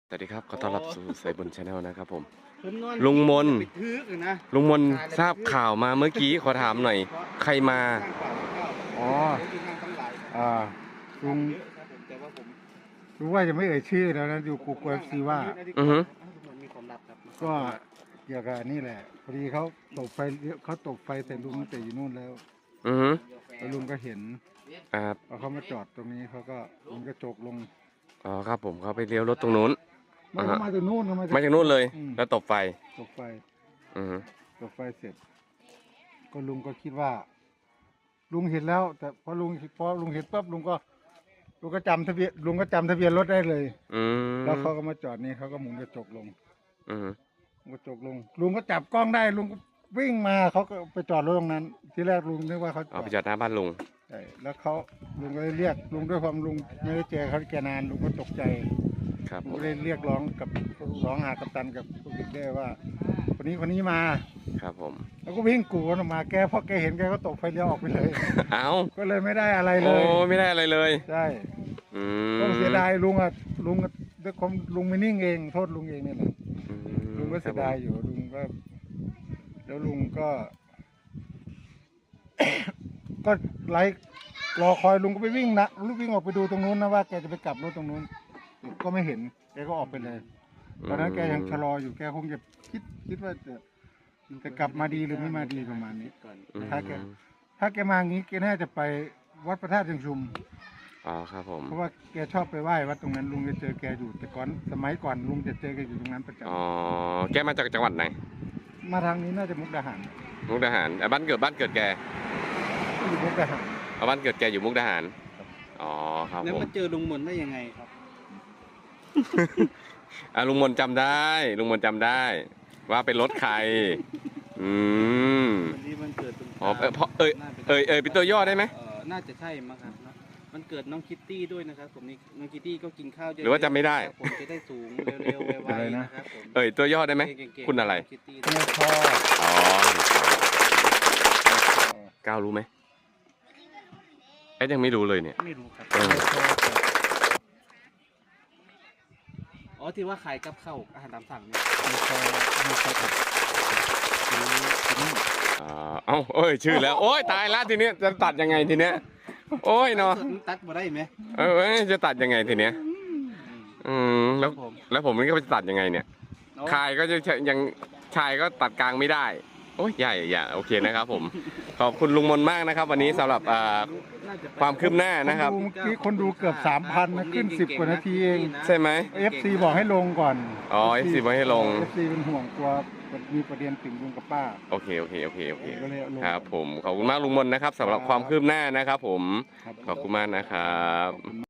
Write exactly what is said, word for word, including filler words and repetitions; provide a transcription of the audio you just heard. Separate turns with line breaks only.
สวัสดีครับขอต้อนรับสู่สายบุญชาแนลนะครับผม
ผมนอน
ลุงมน
ไปทึกเลยนะ
ลุงมนทราบข่าวมาเมื่อกี้ขอถามหน่อย ใครมา
อ๋อ
ที่นั่งทั้งหลาย
อ่าลุง
เยอะครับผมแต่ว่าผม
รู้ว่าจะไม่เอ่ยชื่อแล้วนะอยู่กูกลัวซีว่า
อือฮึ
มันมีความลับครับ
ก็เกี่ยวกับอันนี่แหละพอดีเขาตกไฟเขาตกไฟแต่ลุงตั้งแต่อยู่นู่นแล้ว
อือฮึ
แล้วลุงก็เห็น
ครับ
พอเขามาจอดตรงนี้เขาก็ลุงก็จกลง
อ๋อครับผมเขาไปเลี้ยวรถตรงนู้น
ไม่เขามาจากนู่นเขามา
มาจากนู้นเลย
อืม
แล้วตบไฟ
ตกไฟ
อือฮึ
ตกไฟเสร็จ ก็ลุงก็คิดว่า ลุงเห็นแล้ว แต่พอลุงพอลุงเห็นปั๊บลุงก็ลุงก็จำทะเบียนลุงก็จำทะเบียนรถได้เลย
อืม
แล้วเขาก็มาจอดนี่เขาก็หมุนกระจกลง
อือฮึ
กระจกลงลุงก็จับกล้องได้ลุงก็วิ่งมาเขาก็ไปจอดรถตรงนั้น ที่แรกลุงนึกว่าเขาจ
เอา
อด
ไปจอดหน้าบ้านลุง
ใช่แล้วเขาลุงก็เลยเรียกลุงด้วยความลุงไม่ได้เจอเขาแกนานลุงก็ตกใจ
ครับ
ลุ
ผ
ง
ม
ก็เลยเรียกร้องกับร้องหากัปตันกับพวกเด็กได้ว่า คนนี้คนนี้มา
ครับผม
แล้วก็วิ่งกูกันออกมาแกพอแกเห็นแกก็ตกไฟเลี้ยวออกไปเลย
เอ้า
ก็เลยไม่ได้อะไรเล
โอ้
ย
ไม่ได้อะไรเลย
ใช่
อืม
ก็เสียดายลุงอ่ะลุงอะด้วยความลุงไม่นิ่งเองโทษลุงเองนี่แหละ
อืม
ลุงก็เสียดายอยู่ลุงก็ แล้วลุงก็ ก็ไล่รอคอยลุงก็ไปวิ่งนะลุงวิ่งออกไปดูตรงนู้นนะว่าแกจะไปกลับรถตรงนู้นก็ไม่เห็นแกก็ออกไปเลยตอนนั้นแกยังชะลออยู่แกคงจะคิดคิดว่าจะจะกลับมาดีหรือไม่มาดีประมาณนี้
ก่อน
อืม
ถ้าแก ถ้าแกมาอย่างนี้แกน่าจะไปวัดพระธาตุเชิงชุม
อ๋อครับผม
เพราะว่าแกชอบไปไหว้วัดตรงนั้นลุงจะเจอแกอยู่แต่ก่อนสมัยก่อนลุงจะเจอแกอยู่ตรงนั้นประจ
อ๋อแกมาจากจังหวัดไหน
ำมาทางนี้น่าจะมุกดาหาร
มุกดาหารอ่ะบ้านเกิดบ้านเกิดแก
อยู่มุกดาหาร
เอาบ้านเกิดแกอยู่มุกดาหารอ๋อครับ
แล้ว
ผม
มาเจอลุงมนได้ยังไงครับ
อ่ะลุงมนจำได้ ลุงมนจำได้ ว่าเป็นรถใคร อืม
วันนี้มันเกิดตรง
อ๋อเอ่อเพราะเอ่ย
น่าป็น
เอ่ยเอ่ยเป็นตัวย่อได้ไหม
เอ่อน่าจะใช่มั้งครับนะมันเกิดน้องคิตตี้ด้วยนะครับผมนี่น้องคิตตี้ก็กินข้าวเยอะๆ
หรือว่าจำไม่ได้
ผมจะได้สูงเร็วๆไวๆนะครับผม
เอ่ยตัวย่อได้ไหม
เก่งๆ
คุณอะไร
คิตตี้
เนี่ยพอ
อ๋อก้าวรู้ไหมเอ๊ะยังไม่รู้เลยเนี่ย
ไม่รู้ครับ
เออ
อ๋อที่ว่าขายกับข้าวอาหารตามสั่งเนี่ย
อ่าเอ้าเอ้ยชื่อแล้ว โอ้ยตายละทีเนี้ยจะตัดยังไงทีเนี้ย โอ้ยเนาะ
ตัดมาได้ไหม
เออเอ้ยจะตัดยังไงทีเนี้ย อืมแล้ว
ผม
แล้วผมนี่ก็จะตัดยังไงเนี่ย คายก็จะยังชายก็ตัดกลางไม่ได้ โอ้ยใหญ่ใหญ่โอเคนะครับผม ขอบคุณลุงมนมากนะครับ วันนี้สำหรับอ่า
น่จะไป
ความคืบหน้านะครับ
เมื่อกี้คนดูเกือบสามพันนะขึ้นสิบกว่านาทีเอง
ใช่ไหม
เอฟซีบอกให้ลงก่อน
อ๋อ เอฟ ซี บอกให้ลง
เอฟซีเป็นห่วงกลัวมีประเด็นถึงลุงกับป้า
โอเคโอเคโอเคโอเค
ก็เลยเอาลง
ครับผมขอบคุณมากลุงมนนะครับสำหรับความคืบหน้านะครับผม
ครับ
ขอบคุณมากนะครับ